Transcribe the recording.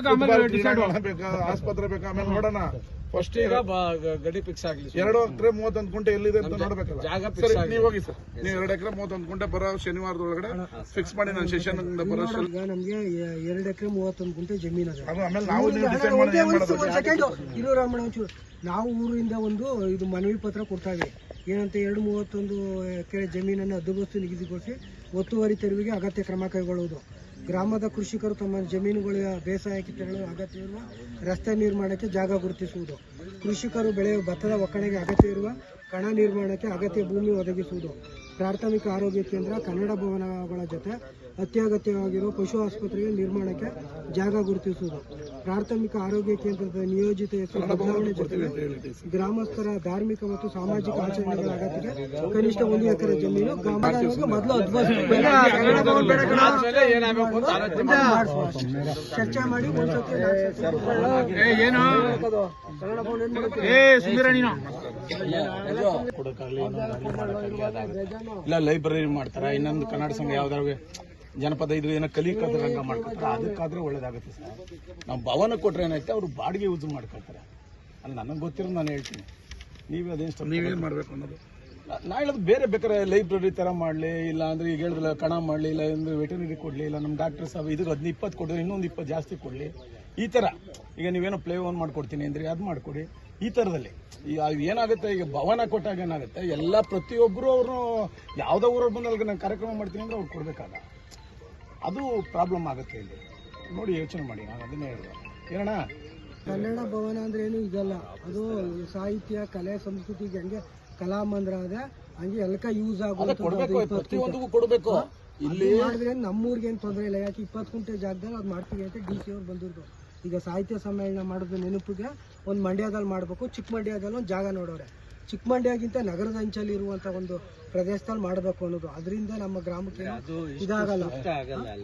ಬೇಕಾ, ಆಸ್ಪತ್ರೆ ಬೇಕಾ, ಆಮೇಲೆ ನೋಡೋಣ. ಫಸ್ಟ್ ಈಗ ಗಡಿ ಫಿಕ್ಸ್ ಆಗ್ಲಿ. 2 ಎಕರೆ 31 ಗುಂಟೆ ಎಲ್ಲಿದೆ ಅಂತ ನೋಡ್ಬೇಕಲ್ಲ. ಸರಿ, ನೀವು ಹೋಗಿ ಸರ್, ನೀವು 2 ಎಕರೆ 31 ಗುಂಟೆ ಬರೋ ಶನಿವಾರದೊಳಗಡೆ ಫಿಕ್ಸ್ ಮಾಡಿ ನಾನು ಸೆಷನ್ ಬರೋ. ಈಗ ನಮ್ಗೆ 2 ಎಕರೆ 31 ಗುಂಟೆ ಜಮೀನು ಇದೆ. ಆಮೇಲೆ ನಾವು ಡಿಸೈಡ್ ಮಾಡಿ ಇರೋ ರಾಮಣ್ಣ ಒಂಚೂರು ನಾವು ಊರಿಂದ ಇದು ಮನವಿ ಪತ್ರ ಕೊಡ್ತಾ ಇದ್ದೀವಿ. ಏನಂತ 231 ಎಕರೆ ಜಮೀನನ್ನು ಹದ್ದುಬಸ್ತು ನಿಗದಿಗೊಳಿಸಿ ಒತ್ತುವರಿ ತೆರವಿಗೆ ಅಗತ್ಯ ಕ್ರಮ ಕೈಗೊಳ್ಳುವುದು. ಗ್ರಾಮದ ಕೃಷಿಕರು ತಮ್ಮ ಜಮೀನುಗಳ ಬೇಸಾಯಕ್ಕೆ ತೆರಳಲು ಅಗತ್ಯವಿರುವ ರಸ್ತೆ ನಿರ್ಮಾಣಕ್ಕೆ ಜಾಗ ಗುರುತಿಸುವುದು. ಕೃಷಿಕರು ಬೆಳೆಯುವ ಭತ್ತದ ಒಕ್ಕಣೆಗೆ ಅಗತ್ಯ ಇರುವ ಕಣ ನಿರ್ಮಾಣಕ್ಕೆ ಅಗತ್ಯ ಭೂಮಿ ಒದಗಿಸುವುದು. ಪ್ರಾಥಮಿಕ ಆರೋಗ್ಯ ಕೇಂದ್ರ, ಕನ್ನಡ ಭವನಗಳ ಜೊತೆ ಅತ್ಯಗತ್ಯವಾಗಿರುವ ಪಶು ಆಸ್ಪತ್ರೆಯ ನಿರ್ಮಾಣಕ್ಕೆ ಜಾಗ ಗುರುತಿಸುವುದು. ಪ್ರಾಥಮಿಕ ಆರೋಗ್ಯ ಕೇಂದ್ರದ ನಿಯೋಜಿತ ಹೆಸರು ಬದಲಾವಣೆ ಜೊತೆಗೆ ಗ್ರಾಮಸ್ಥರ ಧಾರ್ಮಿಕ ಮತ್ತು ಸಾಮಾಜಿಕ ಆಚರಣೆಗಳ ಅಗತ್ಯಕ್ಕೆ ಕನಿಷ್ಠ 1 ಎಕರೆ ಜಮೀನು ಮೊದಲು ಚರ್ಚೆ ಮಾಡಿ ಇಲ್ಲ ಲೈಬ್ರರಿ ಮಾಡ್ತಾರ, ಇನ್ನೊಂದು ಕನ್ನಡ ಸಂಘ ಯಾವ್ದಾದ್ರು ಜನಪದ ಇದು ಏನೋ ಕಲಿಕದ ರಂಗ ಮಾಡ್ಕೊತಾರೆ, ಅದಕ್ಕಾದ್ರೆ ಒಳ್ಳೇದಾಗುತ್ತೆ ಸರ್. ನಾವು ಭವನ ಕೊಟ್ರೆ ಏನೈತೆ ಅವ್ರು ಬಾಡಿಗೆ ಯೂಸ್ ಮಾಡ್ಕೊಳ್ತಾರೆ. ಅಲ್ಲಿ ನನಗೆ ಗೊತ್ತಿರೋ ನಾನು ಹೇಳ್ತೀನಿ, ನೀವೇ ಅದೇನು ನೀವೇನು ಮಾಡಬೇಕು ಅನ್ನೋದು ನಾ ಹೇಳೋದು. ಬೇರೆ ಬೇಕಾದ್ರೆ ಲೈಬ್ರರಿ ಥರ ಮಾಡಲಿ, ಇಲ್ಲ ಅಂದರೆ ಈಗ ಹೇಳಿದ್ರಲ್ಲ ಕಣ ಮಾಡಲಿ, ಇಲ್ಲ ಅಂದರೆ ವೆಟರ್ನರಿ ಕೊಡಲಿ, ಇಲ್ಲ ನಮ್ಮ ಡಾಕ್ಟರ್ ಸಾಹೇಬ್ ಇದಕ್ಕೆ 20 ಕೊಟ್ಟರೆ ಇನ್ನೊಂದು 20 ಜಾಸ್ತಿ ಕೊಡಲಿ. ಈ ಥರ ಈಗ ನೀವೇನೋ ಪ್ಲೇ ಓನ್ ಮಾಡ್ಕೊಡ್ತೀನಿ ಅಂದರೆ ಅದು ಮಾಡಿಕೊಡಿ. ಈ ಥರದಲ್ಲಿ ಈಗ ಏನಾಗುತ್ತೆ, ಈಗ ಭವನ ಕೊಟ್ಟಾಗ ಏನಾಗುತ್ತೆ, ಎಲ್ಲ ಪ್ರತಿಯೊಬ್ಬರು ಅವರು ಯಾವುದೋ ಊರಲ್ಲಿ ಬಂದಾಗ ನಾನು ಕಾರ್ಯಕ್ರಮ ಮಾಡ್ತೀನಿ ಅಂದರೆ ಅವ್ರು ಕೊಡಬೇಕಾಗ ಅದು ಪ್ರಾಬ್ಲಮ್ ಆಗುತ್ತೆ. ಇಲ್ಲಿ ನೋಡಿ ಯೋಚನೆ ಮಾಡಿ, ನಾನು ಅದನ್ನೇ ಹೇಳಿದೆ. ಏನಣ್ಣ ಕನ್ನಡ ಭವನ ಅಂದ್ರೆ ಏನು ಇದಲ್ಲ, ಅದು ಸಾಹಿತ್ಯ, ಕಲೆ, ಸಂಸ್ಕೃತಿಗೆ ಹಂಗೆ ಕಲಾಮಂದ್ರ ಅದೇ ಹಂಗೆ ಎಲ್ಲಕ ಯೂಸ್ ಕೊಡಬೇಕು, ಪ್ರತಿಯೊಂದಕ್ಕೂ ಕೊಡಬೇಕು. ಇಲ್ಲಿ ಮಾಡಿದ್ರೆ ನಮ್ಮೂರಿಗೆ ಏನು ತೊಂದರೆ ಇಲ್ಲ. ಯಾಕೆ 20 ಗುಂಟೆ ಜಾಗದಲ್ಲಿ ಅದು ಮಾಡ್ತೀವಿ ಅಂತ DC ಅವ್ರು ಬಂದಿದ್ರು. ಈಗ ಸಾಹಿತ್ಯ ಸಮ್ಮೇಳನ ಮಾಡೋದು ನೆನಪಿಗೆ ಒಂದು ಮಂಡ್ಯದಲ್ಲಿ ಮಾಡಬೇಕು, ಚಿಕ್ಕಮಂಡ್ಯದಲ್ಲಿ ಒಂದು ಜಾಗ ನೋಡೋರೆ. ಚಿಕ್ಕಮಂಡ್ಯಗಿಂತ ನಗರದ ಅಂಚಲ್ಲಿ ಇರುವಂತ ಒಂದು ಪ್ರದೇಶದಲ್ಲಿ ಮಾಡಬೇಕು ಅನ್ನೋದು. ಅದರಿಂದ ನಮ್ಮ ಗ್ರಾಮಕ್ಕೆ ಇದಾಗಲ್ಲ.